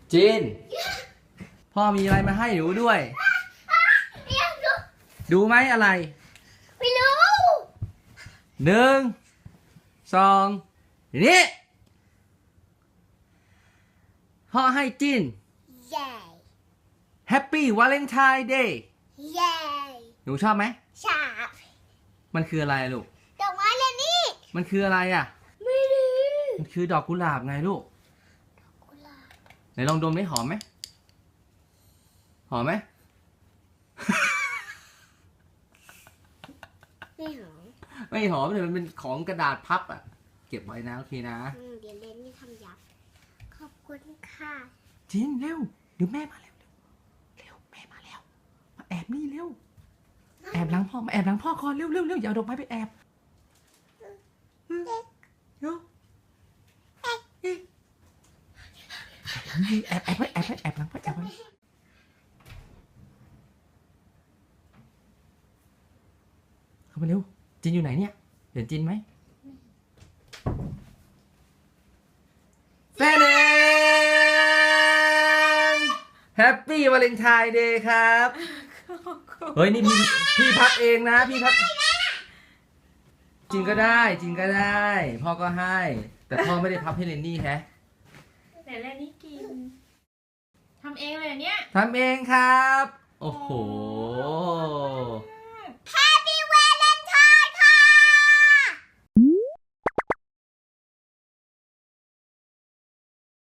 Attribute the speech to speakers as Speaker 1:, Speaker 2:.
Speaker 1: จินพ่อมีอะไรมาให้หนูด้วย ดูไหมอะไร
Speaker 2: ไม่รู้
Speaker 1: 1 2นี่พ่อให้จิน
Speaker 2: ใหญ่
Speaker 1: Happy Valentine Day
Speaker 2: ใหญ่
Speaker 1: หนูชอบไหม
Speaker 2: ฉาบ
Speaker 1: มันคืออะไรลูก
Speaker 2: ดอกไม้เลยนี่
Speaker 1: มันคืออะไรอ่ะ
Speaker 2: ไม่รู้
Speaker 1: มันคือดอกกุหลาบไงลูก
Speaker 2: กุหลาบ
Speaker 1: ไหนลองดมได้หอมไหมหอมไหม
Speaker 2: ไม่หอม
Speaker 1: ไม่หอมเลยมันเป็นของกระดาษพับอ่ะ เก็บไว้นะโอเคนะ
Speaker 2: เดี๋ยวเล่นนี่ทำยับ ขอบคุณค่ะ
Speaker 1: จินเร็วเดี๋ยวแม่มาเร็วเร็วแม่มาแล้วมาแอบนี่เร็วแอบหลังพ่อมาแอบหลังพ่อก่อนเร็วอย่าเอาดอกไม้ไปแอบเร็วแอบไว้แอบหลังพ่อแอบไว้เข้ามาเร็วจินอยู่ไหนเนี่ยเห็นจินไหมแฟนแฮปปี้วาเลนไทน์เดย์ครับเฮ้ยนี่พี่พับเองนะพี่พับจริงก็ได้พ่อก็ให้ แต่พ่อไม่ได้พับให้เรนนี่แฮะ
Speaker 3: แต่แรกนี่กินทำเองเลยเนี่ย
Speaker 1: ทำเองครับ โอ้โห